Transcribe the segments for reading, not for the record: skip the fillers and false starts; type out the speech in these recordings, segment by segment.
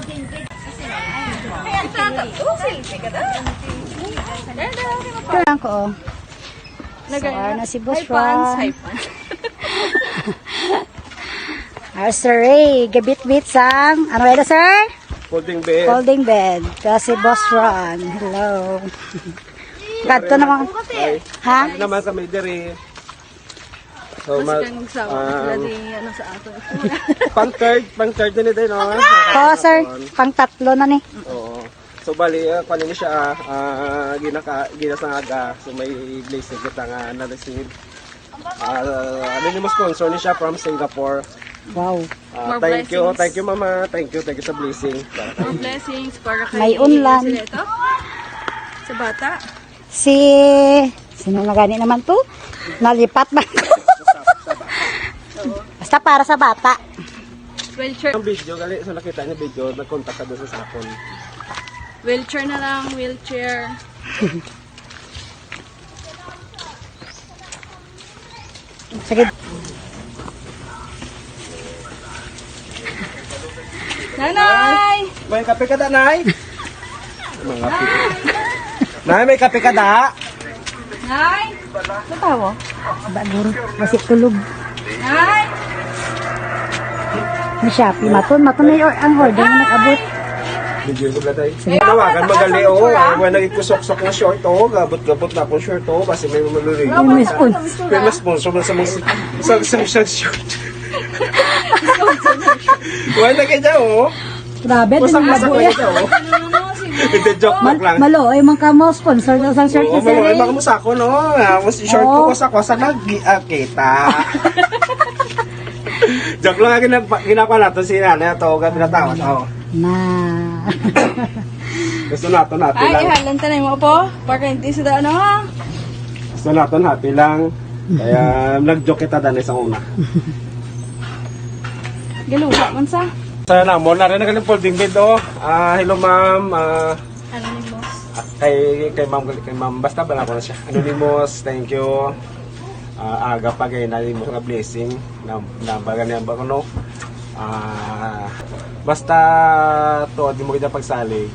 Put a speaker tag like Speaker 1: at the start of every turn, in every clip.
Speaker 1: Kailangan ko, oh. So, na si Boss Ron. Sir Ray, gabit-bit sang, ano ito, sir?
Speaker 2: Folding bed.
Speaker 1: Folding bed. Kasi Boss Ron. Hello. Kadto naman. Ha?
Speaker 2: Ano naman kami diri. So, pang-third na nito, no?
Speaker 1: Oo, sir. Pang-tatlo na ni.
Speaker 2: Oo. So, bali, kunin niya siya, ginasangaga. So, may blessing kita nga na-receive. Ano yung sponsor niya siya from Singapore.
Speaker 1: Wow.
Speaker 2: Thank you mama, thank you sa blessing.
Speaker 3: More blessings para kay
Speaker 1: May unlan.
Speaker 3: sila ito. Sa bata.
Speaker 1: Sino na gani naman to? Nalipat ba? Basta para sa bata.
Speaker 3: Wheelchair.
Speaker 2: Ang video, gali, so nakita niya video, nag-contact ka doon sa sakon.
Speaker 3: Wheelchair na lang, wheelchair.
Speaker 1: Sige.
Speaker 3: Nanay!
Speaker 2: May kape ka da, Nay? Mga kape. Nay, may kape ka da?
Speaker 3: Nay!
Speaker 1: Matawa? Baguro. Masik tulog.
Speaker 3: Nay!
Speaker 1: May Shopee. Maton na yung ang order na nag-abot.
Speaker 2: Video ko tayo. Tawagan magali o. Wala nagkusok-sok na short o. Gabot-gabot na akong short o. Kasi may malulay.
Speaker 1: May spoon.
Speaker 2: May sponsor mo sa mga short. Wala kayo dyan o.
Speaker 1: Grabe, din ang
Speaker 2: Masak-masak
Speaker 1: labo
Speaker 2: na
Speaker 1: yan.
Speaker 2: dyan o. Hindi, joke lang.
Speaker 1: Malo, ay mga mo sponsor daw sa shirt
Speaker 2: Oo,
Speaker 1: ni Sir Ray.
Speaker 2: mga musako no. Short ko sa nag-kita. Joke lang ginapa natin si nanay ito. Gabi na tawad.
Speaker 1: Na.
Speaker 2: Gusto natin happy
Speaker 3: Ay,
Speaker 2: lang.
Speaker 3: ihalan tanay mo po. Para hindi sa daan ha.
Speaker 2: Gusto natin happy lang. Kaya nag-joke kita dahil sa una.
Speaker 3: Galuha man sa.
Speaker 2: Sana mo na rin ang folding bed o. Hello ma'am.
Speaker 3: Anonymous.
Speaker 2: Kay ma'am. Basta bala ko na siya. Anonymous. Thank you. Aga pa kayo na mo nga blessing. Nabaga niya ba ko no. Basta to di mo kita pagsalig.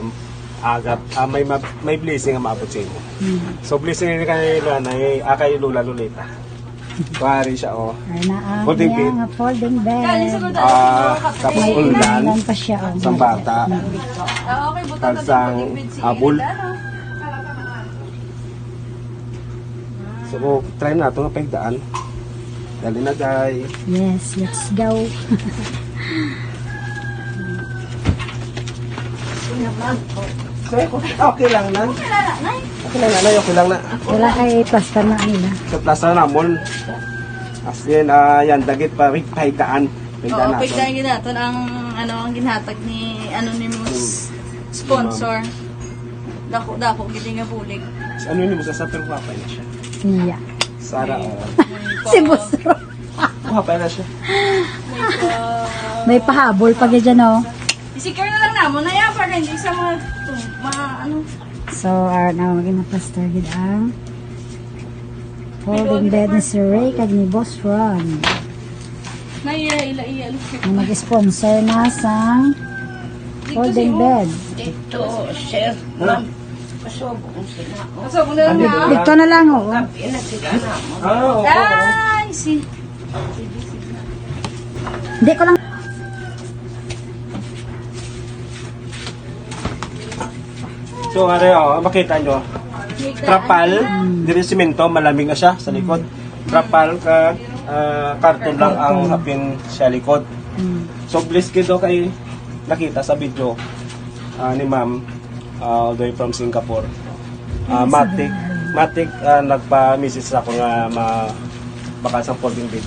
Speaker 2: May blessing ang maabot sa inyo. So blessing ni kay nanay, kay Lula Lolita. Pari siya o.
Speaker 1: Folding bed. Folding bed.
Speaker 2: Tapos
Speaker 1: May
Speaker 2: ulan
Speaker 1: ulan pa siya.
Speaker 2: sa bata.
Speaker 3: Okay, buta
Speaker 2: Kalsang habol. So try na ito nga pagdaan. Dali na guys.
Speaker 1: Yes, let's go.
Speaker 2: Okay lang na. Okay lang na, okay lang na.
Speaker 1: Wala kay plaster na nila.
Speaker 2: Sa plaza namon. As in, yan, dagit pa, pahigdaan. Pahigdaan
Speaker 3: Oo,
Speaker 2: natin.
Speaker 3: pagdahin natin ang ginhatag ni Anonymous sponsor. Dako gili nga bulig.
Speaker 2: Ano yun, sa pero papay na siya.
Speaker 1: Siya.
Speaker 2: Sara,
Speaker 1: Si Busro.
Speaker 2: papay na siya.
Speaker 1: May pahabol pag dyan, oh.
Speaker 3: I-secure na lang namon na yan para hindi sa mga ano.
Speaker 1: So, na maging plaster gid ang folding bed ni Sir Ray kag ni Boss Ron.
Speaker 3: Ila.
Speaker 1: Na mag-sponsor na sa folding bed.
Speaker 3: Pasok mo na lang na.
Speaker 1: Dito na lang, oh.
Speaker 2: Oo.
Speaker 3: Ay,
Speaker 1: Hindi ko lang.
Speaker 2: So, makita nyo. Trapal, dito simento, malamig na siya sa likod. Trapal, karton lang ang hapin sa likod. So, blessed kayo kay nakita sa video ni ma'am all the way from Singapore. Matic, nagpa-message ako nga baka sa folding bed.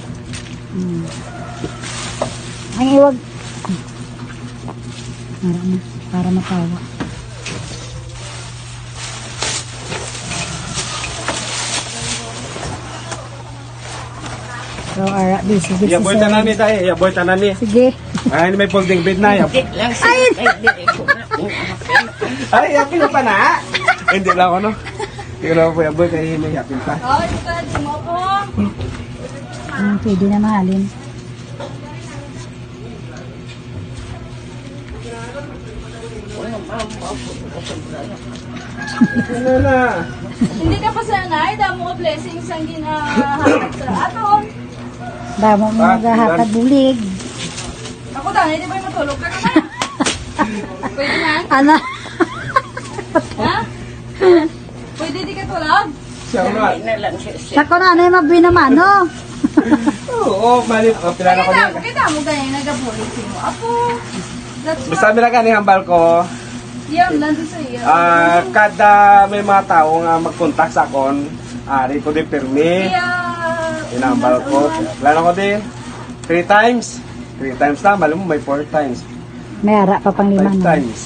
Speaker 1: Ang iwag. Para matawa. So, busy si
Speaker 2: Yaboy
Speaker 1: Sir.
Speaker 2: tanani tayo, yaboy tanani.
Speaker 1: Sige.
Speaker 2: Ay, may folding bed na. Ay, yakin na pa na. Hindi lang ako, no? Hindi ko na po yaboy, kaya may yakin pa.
Speaker 3: Ay, di mo po.
Speaker 1: Pwede na mahalin.
Speaker 2: Ano na?
Speaker 3: Hindi ka pa sanay, damo ka blessings ang ginahatag sa aton.
Speaker 1: Damo mo maghahatag bulig.
Speaker 3: Ako dahil, di ba matulog ka naman? Pwede na?
Speaker 1: Ano?
Speaker 3: Ha? Pwede di ka tulog?
Speaker 2: Siya nga.
Speaker 1: Sako na, ano yung mabinamano?
Speaker 2: Oo, mali. O, pilala ko din.
Speaker 3: Kaya damo ganyan nagabulit mo. Apo, that's
Speaker 2: Basta
Speaker 3: what,
Speaker 2: nila ka ni hambal ko,
Speaker 3: yan, nandun sa iyo.
Speaker 2: kada may mga tao nga mag-contact sa akon, ari ko din pirmi.
Speaker 3: Kaya,
Speaker 2: Inambal ko. Plano ko din. 3 times. 3 times na, malam mo may 4 times.
Speaker 1: May ara pa pang
Speaker 2: 5
Speaker 1: lima no?
Speaker 2: times.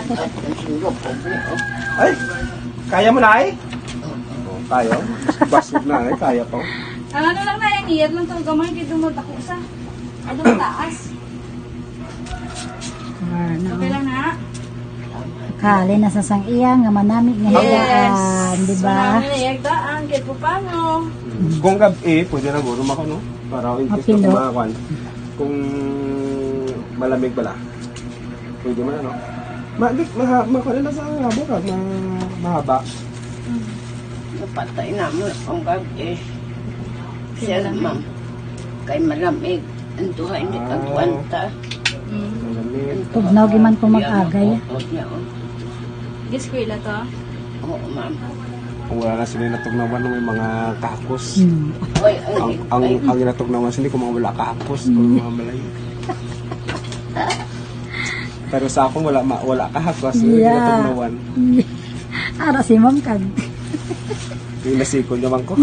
Speaker 2: Ay, kaya mo na ay? Oh, kaya. Basig na ay, kaya pa.
Speaker 3: ang ano lang na yung iyat lang itong gamay, kaya dumatako sa. Ano mataas?
Speaker 1: Ano?
Speaker 3: Okay lang na.
Speaker 1: Kali na sa sang iya nga manamig nga higaan, di ba?
Speaker 3: So, namin nayagdaan, kahit po paano.
Speaker 2: Kung gabi, pwede na gurum ako, no? Para in case
Speaker 1: Mapilo.
Speaker 2: na kumakuan. Kung malamig pala. Pwede mo na, no? Makuha na sa habo ka, mahaba.
Speaker 4: Napatay namin ang gabi. Siya naman. Kay malamig. Ang duha hindi kagwanta.
Speaker 2: Malamig.
Speaker 1: Tugnaw giman ko mag-agay.
Speaker 3: Eskwela to.
Speaker 4: Oo, ma'am.
Speaker 2: Kung wala na sila natugnawan ng may mga kakos.
Speaker 1: Hmm.
Speaker 4: Oy,
Speaker 2: Ang inatugnawan sila kung mga wala kakos o mga malayo. Pero sa akong wala kakos. Yung
Speaker 1: Yeah.
Speaker 2: inatugnawan.
Speaker 1: Ara si ma'am kag.
Speaker 2: Yung nasiko naman ko.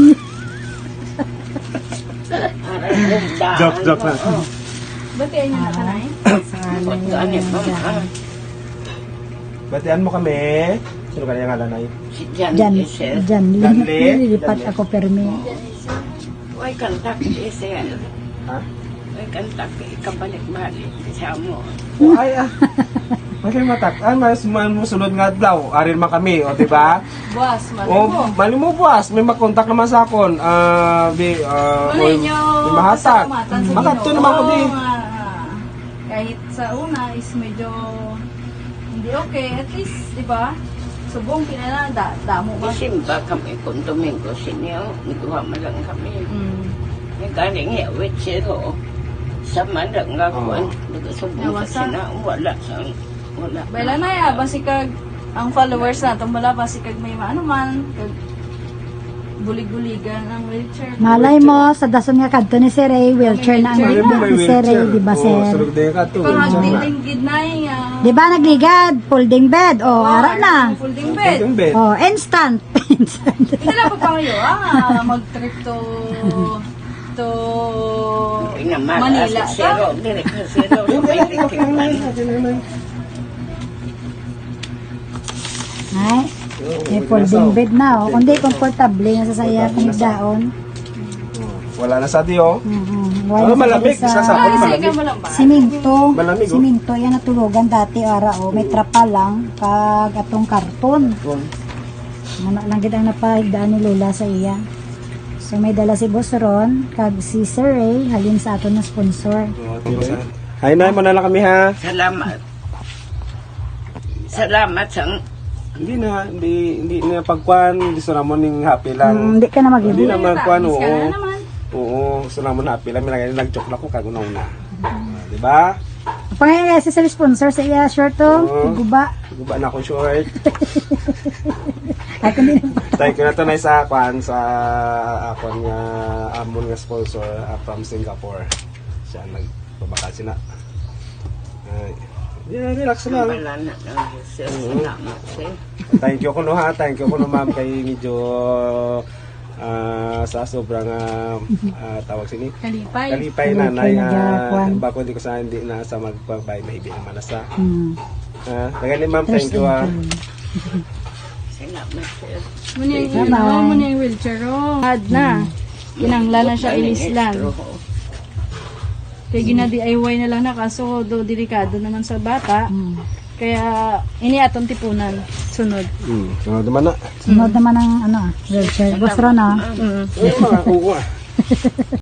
Speaker 4: Joke,
Speaker 2: Joke na.
Speaker 3: Ba't kaya niya nakanay?
Speaker 4: Pagkaanit mo, ma'am.
Speaker 2: Batian mo kami. Sino kanya nga lanay?
Speaker 4: Si Jan
Speaker 1: Jan,
Speaker 4: Isel.
Speaker 1: Jan,
Speaker 2: Janle?
Speaker 1: lilipat
Speaker 2: Janle.
Speaker 1: ako permi.
Speaker 4: Oy, kantak Isel.
Speaker 2: Ha?
Speaker 4: Oy, kantak ikabalik-balik. Siya mo.
Speaker 2: Ay, Kasi matak. Mas musunod nga daw. Arin man kami. O, diba?
Speaker 3: Buwas, mali
Speaker 2: O,
Speaker 3: mo.
Speaker 2: mali mo buwas. May mag-contact naman sa akon.
Speaker 3: Ano inyo?
Speaker 2: Mahatag.
Speaker 3: kasalamatan sa
Speaker 2: Makadto
Speaker 3: Ginoo
Speaker 2: naman ko di.
Speaker 3: nga, kahit sa una is medyo hindi okay. At least, di ba? Subong kinala, damo ba?
Speaker 4: Isimba kami kung Domingo sinyo. Nagawa mo lang kami.
Speaker 3: Mm.
Speaker 4: May galing yawit siro. Sa madang nga kuwan. Nagasubong ka
Speaker 3: Nawasa?
Speaker 4: sina. Wala.
Speaker 3: Baila na ya, basikag ang followers natin wala basikag may maano man, kag bulig-buligan ang wheelchair.
Speaker 1: Malay mo, sa dason nga kadto ni Sir Ray, wheelchair na ang
Speaker 2: Mali mo may
Speaker 1: ni Sir Ray,
Speaker 2: wheelchair.
Speaker 1: di ba
Speaker 2: Oo,
Speaker 1: Sir?
Speaker 2: sulog din ka to.
Speaker 3: Parang
Speaker 2: wheelchair na.
Speaker 3: dinding gidnay nga.
Speaker 1: Di ba nagligad? Folding bed. O, ara na.
Speaker 3: Folding bed.
Speaker 2: Yung bed.
Speaker 1: O, instant. Instant.
Speaker 3: Hindi na pa pangayo, mag-trip to Manila.
Speaker 4: Siro. Direk na siro. May tikipan.
Speaker 1: Ay, may folding bed na. O, kundi komportable nga sa saya kung daon.
Speaker 2: Wala na sa diyo.
Speaker 1: Wala
Speaker 2: malamig.
Speaker 1: sa
Speaker 2: Isa sa
Speaker 3: Ah,
Speaker 2: ako
Speaker 3: sige
Speaker 2: malamig.
Speaker 3: ka mo lang ba?
Speaker 1: Siminto.
Speaker 2: Malamig, oh.
Speaker 1: Siminto. Yan natulugan dati, ara. O, may trapa lang. Kag atong karton. Muna lang gid ang napahigdaan ni Lola sa iya. So may dala si Boss Ron, kag si Sir Ray, halin sa aton na sponsor.
Speaker 2: Hay na mo na lang kami ha.
Speaker 4: Salamat. Salamat sa
Speaker 2: Hindi na pagkuan, hindi sa ramon ning happy lang.
Speaker 1: Hindi ka na
Speaker 2: Hindi
Speaker 1: mag-ibig.
Speaker 2: na magkuan,
Speaker 3: Miss ka
Speaker 2: oo.
Speaker 3: na naman.
Speaker 2: Oo, sa ramon happy lang, nag-joke na ko kag una. Di ba?
Speaker 1: Pangayon kasi sa sponsor sa iya short to,
Speaker 2: Oo.
Speaker 1: guba.
Speaker 2: Guba na akong short.
Speaker 1: Ay kundi
Speaker 2: Thank you na to na sa kwan sa akon nga amon nga sponsor from Singapore. Siya nagpabakasyon na. Ay. Yeah, relax lang.
Speaker 4: wala na lang. Salamat sir.
Speaker 2: Thank you ko no ha. Thank you ko no ma'am kay medyo sa sobrang tawag sini. Kalipay nanay
Speaker 1: nagakuan.
Speaker 2: bako di ko sa hindi na sa magpabay mahibi naman na sa.
Speaker 1: Hmm.
Speaker 2: Tagani ma'am, thank you ha.
Speaker 4: Salamat sir.
Speaker 3: Muna yung
Speaker 1: Bye-bye.
Speaker 3: muna yung wheelchair oh. Had na. Kinanglan na siya ilislan. Kaya gina-DIY na lang na kaso do delikado naman sa bata. Kaya ini atong tipunan sunod.
Speaker 2: So naman na.
Speaker 1: Sunod naman ang ano, wheelchair. Boss Ron, ah.
Speaker 2: Mga uwa.